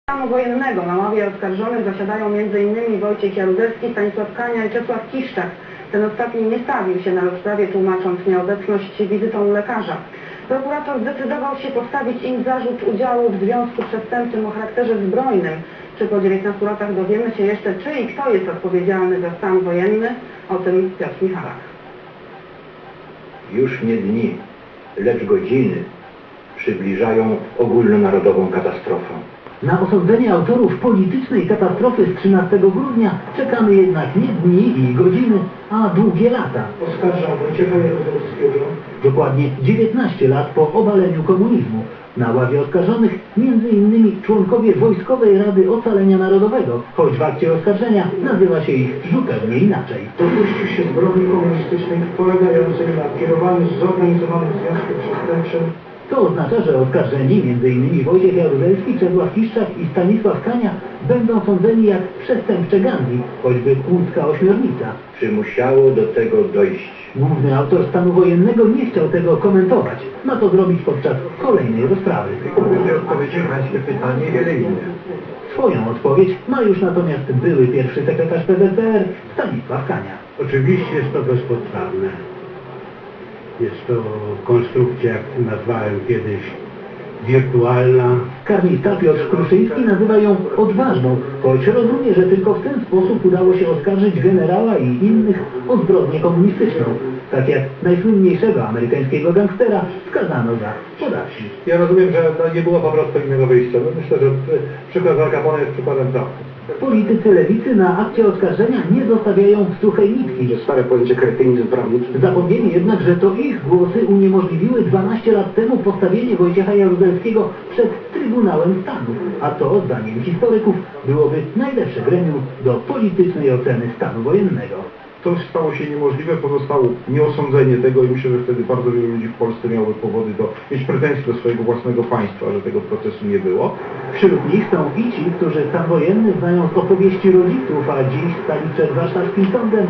Stanu wojennego na ławie oskarżonych zasiadają m.in. Wojciech Jaruzelski, Stanisław Kania i Czesław Kiszczak. Ten ostatni nie stawił się na rozprawie, tłumacząc nieobecność wizytą u lekarza. Prokurator zdecydował się postawić im zarzut udziału w związku przestępczym o charakterze zbrojnym. Czy po 19 latach dowiemy się jeszcze, czy i kto jest odpowiedzialny za stan wojenny? O tym Piotr Michalak. Już nie dni, lecz godziny przybliżają ogólnonarodową katastrofę. Na osądzenie autorów politycznej katastrofy z 13 grudnia czekamy jednak nie dni i godziny, a długie lata. Oskarżam Wojciecha Jaruzelskiego. Dokładnie 19 lat po obaleniu komunizmu. Na ławie oskarżonych m.in. członkowie Wojskowej Rady Ocalenia Narodowego, choć w akcie oskarżenia nazywa się ich zupełnie inaczej. Dopuścił się zbrodni komunistycznej polegającej na kierowaniu zorganizowanym związkiem przestępczym. To oznacza, że oskarżeni m.in. Wojciech Jaruzelski, Czesław Kiszczak i Stanisław Kania będą sądzeni jak przestępcze gangi, choćby łódzka ośmiornica. Czy musiało do tego dojść? Główny autor stanu wojennego nie chciał tego komentować. Ma to zrobić podczas kolejnej rozprawy. Będzie odpowiedzieć na pańskie pytanie wiele innych. Swoją odpowiedź ma już natomiast były pierwszy sekretarz PZPR Stanisław Kania. Oczywiście jest to bezpodstawne. Jest to konstrukcja, jak nazwałem kiedyś, wirtualna. Karnista Piotr Kruszyński nazywa ją odważną, choć rozumie, że tylko w ten sposób udało się oskarżyć generała i innych o zbrodnię komunistyczną, tak jak najsłynniejszego amerykańskiego gangstera skazano za podatki. Ja rozumiem, że nie było po prostu innego wyjścia. Myślę, że przykład Al Capone jest przykładem prawdy. Politycy lewicy na akcie oskarżenia nie zostawiają suchej nitki. Stare pojęcie kretynizm prawniczy. Zapomnieli jednak, że to ich głosy uniemożliwiły 12 lat temu postawienie Wojciecha Jaruzelskiego przed Trybunałem Stanu, a to, zdaniem historyków, byłoby najlepsze gremium do politycznej oceny stanu wojennego. To stało się niemożliwe, pozostało nieosądzenie tego i myślę, że wtedy bardzo wielu ludzi w Polsce miałoby powody mieć pretensje do swojego własnego państwa, że tego procesu nie było. Wśród nich są i ci, którzy stan wojenny znają z opowieści rodziców, a dziś stali przed warszawskim sądem.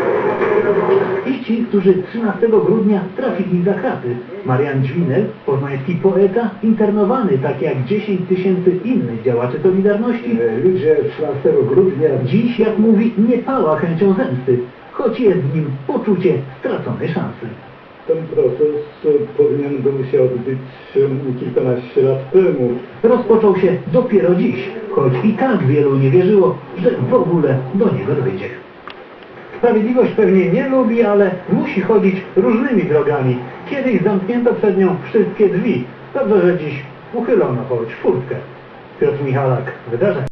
I ci, którzy 13 grudnia trafili za kraty. Marian Dźwinel, poznański poeta, internowany, tak jak 10 tysięcy innych działaczy Solidarności. Ludzie 13 grudnia Dziś, jak mówi, nie pała chęcią zemsty, choć jest w nim poczucie straconej szansy. ten proces powinien był się odbyć kilkanaście lat temu. Rozpoczął się dopiero dziś, choć i tak wielu nie wierzyło, że w ogóle do niego dojdzie. Sprawiedliwość pewnie nie lubi, ale musi chodzić różnymi drogami. Kiedyś zamknięto przed nią wszystkie drzwi. Dobrze, że dziś uchylono choć furtkę. Piotr Michalak, wydarzenie.